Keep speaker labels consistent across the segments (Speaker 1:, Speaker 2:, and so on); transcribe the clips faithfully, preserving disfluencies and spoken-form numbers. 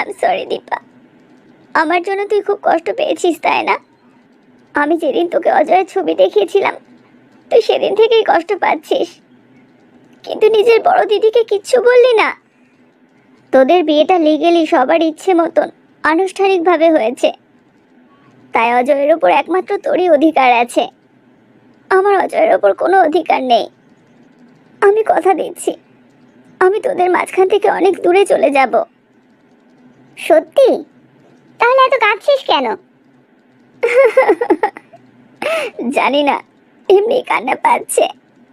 Speaker 1: Am sorry Dipa, আমার জন্য তুই খুব কষ্ট পেয়েছিস তাই না? আমি যেদিন তোকে অজয়ের ছবি দেখিয়েছিলাম তুই সেদিন থেকেই কষ্ট পাচ্ছিস, কিন্তু নিজের বড় দিদিকে কিচ্ছু বললি না। তোদের বিয়েটা লিগেলি সবার ইচ্ছে মতন আনুষ্ঠানিকভাবে হয়েছে, তাই অজয়ের ওপর একমাত্র তোরই অধিকার আছে, আমার অজয়ের ওপর কোনো অধিকার নেই। আমি কথা দিচ্ছি আমি তোদের মাঝখান থেকে অনেক দূরে চলে যাব। সত্যি? তাহলে এত কাঁদছিস কেন? জানি না, এমনি কান্না পাচ্ছে।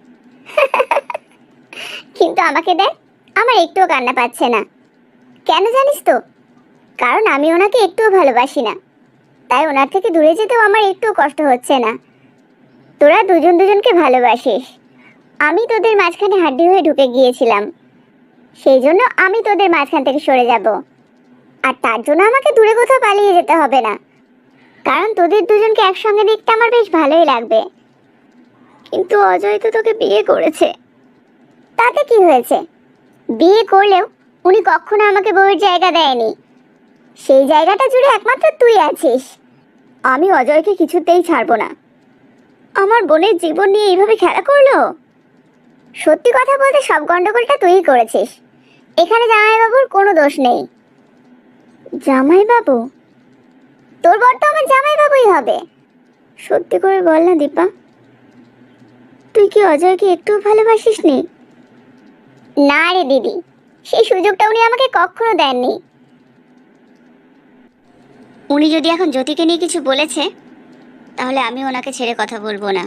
Speaker 1: কিন্তু আমাকে দেখ, আমার একটুও কান্না পাচ্ছে না। কেন জানিস তো? কারণ আমি ওনাকে একটুও ভালোবাসি না, তাই ওনার থেকে দূরে যেতেও আমার একটুও কষ্ট হচ্ছে না। তোরা দুজন দুজনকে ভালোবাসিস, আমি তোদের মাঝখানে হাড্ডি হয়ে ঢুকে গিয়েছিলাম, সেই জন্য আমি তোদের মাঝখান থেকে সরে যাব। আর তার জন্য আমাকে দূরে কোথাও পালিয়ে যেতে হবে না, কারণ তোদের দুজনকে একসঙ্গে দেখতে আমার বেশ ভালোই লাগবে। কিন্তু অজয় তো তোকে বিয়ে করেছে। তাতে কি হয়েছে? বিয়ে করলেও উনি কখনো আমাকে বউয়ের জায়গা দেয়নি, সেই জায়গাটা জুড়ে একমাত্র তুই আছিস। আমি অজয়কে কিছুতেই ছাড়বো না। আমার বোনের জীবন নিয়ে এইভাবে খেলা করলো। সত্যি কথা বলতে সব গন্ডগোলটা তুইই করেছিস, এখানে জামাইবাবুর কোনো দোষ নেই। জামাইবাবু? তোর বর তো আমার জামাইবাবুই হবে। সত্যি করে বল না দীপা, তুই কি অজয়কে একটু ভালোবাসিস নি? না রে দিদি, সেই সুযোগটা উনি আমাকে কখনো দেননি। উনি যদি এখন জ্যোতিকে নিয়ে কিছু বলেছে, তাহলে আমি ওনাকে ছেড়ে কথা বলবো না।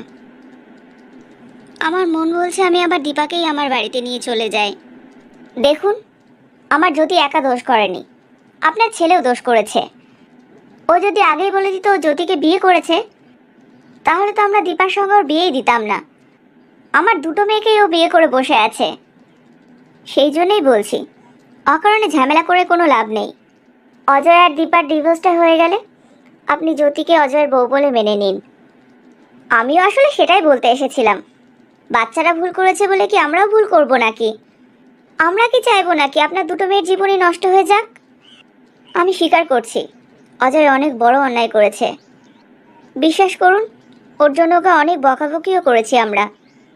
Speaker 1: আমার মন বলছে আমি আবার দীপাকেই আমার বাড়িতে নিয়ে চলে যাই। দেখুন, আমার জ্যোতি একা দোষ করেনি, আপনার ছেলেও দোষ করেছে। ও যদি আগেই বলে দিত ও জ্যোতিকে বিয়ে করেছে, তাহলে তো আমরা দীপার সঙ্গে ওর বিয়েই দিতাম না। আমার দুটো মেয়েকেই ও বিয়ে করে বসে আছে, সেই জন্যই বলছি অকারণে ঝামেলা করে কোনো লাভ নেই। অজয় আর দীপার ডিভোর্সটা হয়ে গেলে আপনি জ্যোতিকে অজয়ের বউ বলে মেনে নিন। আমিও আসলে সেটাই বলতে এসেছিলাম, বাচ্চারা ভুল করেছে বলে কি আমরাও ভুল করব নাকি? আমরা কি চাইবো নাকি আপনার দুটো মেয়ের জীবনই নষ্ট হয়ে যাক? আমি স্বীকার করছি অজয় অনেক বড় অন্যায় করেছে, বিশ্বাস করুন ওর জন্য ওকে অনেক বকাবকিও করেছি আমরা।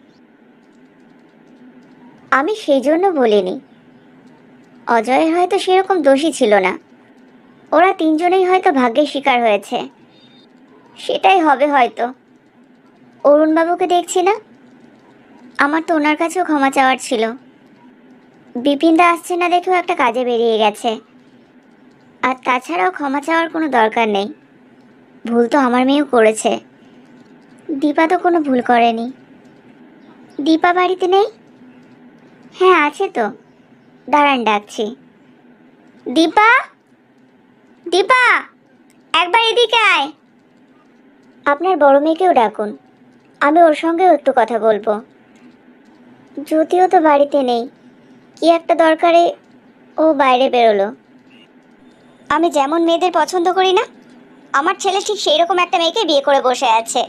Speaker 1: আমি সেই জন্য বলিনি, অজয়ের হয়তো সেরকম দোষী ছিল না, ওরা তিনজনেই হয়তো ভাগ্যের শিকার হয়েছে, সেটাই হবে হয়তো। অরুণবাবুকে দেখছি না, আমার তো ওনার কাছেও ক্ষমা চাওয়ার ছিল। বিপিনদা আসছে না দেখেও একটা কাজে বেরিয়ে গেছে, আর তাছাড়াও ক্ষমা চাওয়ার কোনো দরকার নেই, ভুল তো আমার মেয়েও করেছে, দীপা তো কোনো ভুল করেনি। দীপা বাড়িতে নেই? হ্যাঁ আছে তো, দাঁড়ান ডাকছি। দীপা, দীপা একবার এদিকে আয়। আপনার বড় মেয়েকেও ডাকুন, আমি ওর সঙ্গেও একটু কথা বলবো। যদিও তো বাড়িতে নেই, কি একটা দরকারে ও বাইরে বেরোলো। আমি যেমন মেয়েদের পছন্দ করি না, আমার ছেলে ঠিক সেই রকম একটা মেয়েকে বিয়ে করে বসে আছে।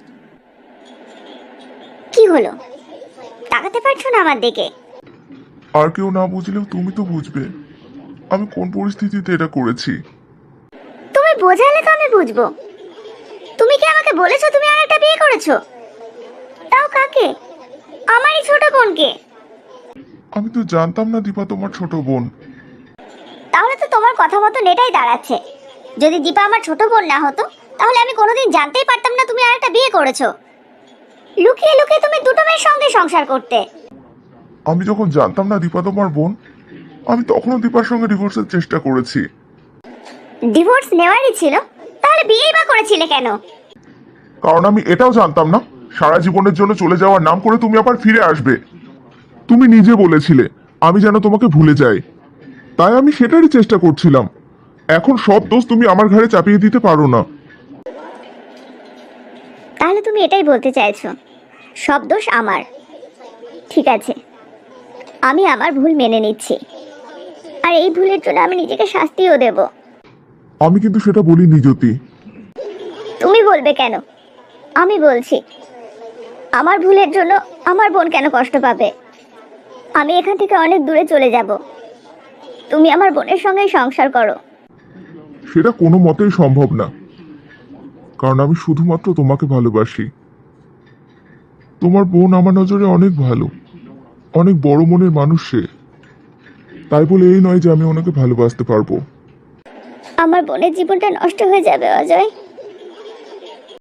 Speaker 1: কি হলো, তাকাতে পারছো না আমার দিকে?
Speaker 2: আর কেউ না বুঝলেও তুমি তো বুঝবে আমি কোন পরিস্থিতিতে এটা করেছি।
Speaker 1: তুমি বোঝালে তো আমি বুঝবো। তুমি কি আমাকে বলেছো তুমি আর একটা বিয়ে করেছো? তাও কাকে? আমারই ছোট বোনকে।
Speaker 2: আমি তো জানতাম না দীপা তোমার ছোট বোন।
Speaker 1: তাহলে তো তোমার কথা মতো এটাই দাঁড়াচ্ছে, যদি দীপা আমার ছোট বোন না হতো তাহলে আমি কোনোদিন জানতেই পারতাম না তুমি আর একটা বিয়ে করেছো। লুকিয়ে লুকিয়ে তুমি দুটো মেয়ের সঙ্গে সংসার করতে।
Speaker 2: আমি যখন জানতাম না দীপা তোমার বোন, আমি তখনও দীপার সঙ্গে ডিভোর্সের চেষ্টা করেছি।
Speaker 1: ডিভোর্স নেওয়ারই ছিল, তাহলে বিয়েই বা করেছিলে কেন?
Speaker 2: কারণ আমি এটাও জানতাম না সারা জীবনের জন্য চলে যাওয়ার নাম করে তুমি আবার ফিরে আসবে। তুমি নিজে বলেছিলে আমি যেন তোমাকে ভুলে যাই, তাই আমি সেটারই চেষ্টা করছিলাম। এখন সব দোষ তুমি আমার ঘাড়ে চাপিয়ে দিতে পারো না।
Speaker 1: তাহলে তুমি এটাই বলতে চাইছো সব দোষ আমার? ঠিক আছে, আমি আমার ভুল মেনে নিচ্ছি, আর এই ভুলের জন্য আমি নিজেকে শাস্তিও দেব।
Speaker 2: আমি কিন্তু সেটা বলিনি জ্যোতি।
Speaker 1: তুমি বলবে কেন? আমি বলছি, আমার ভুলের জন্য আমার বোন কেন কষ্ট পাবে? আমি এখান থেকে অনেক দূরে চলে যাব, তুমি আমার বোনের সঙ্গে সংসার করো।
Speaker 2: সেটা কোনো মতেই সম্ভব না, কারণ আমি শুধুমাত্র তোমাকে ভালোবাসি। তোমার বোন আমার নজরে অনেক ভালো, অনেক বড় মনের মানুষ সে। তাই বলে এই নয় যে আমি ওনাকে ভালোবাসতে পারবো।
Speaker 1: আমার বোনের জীবনটা নষ্ট হয়ে যাবে অজয়।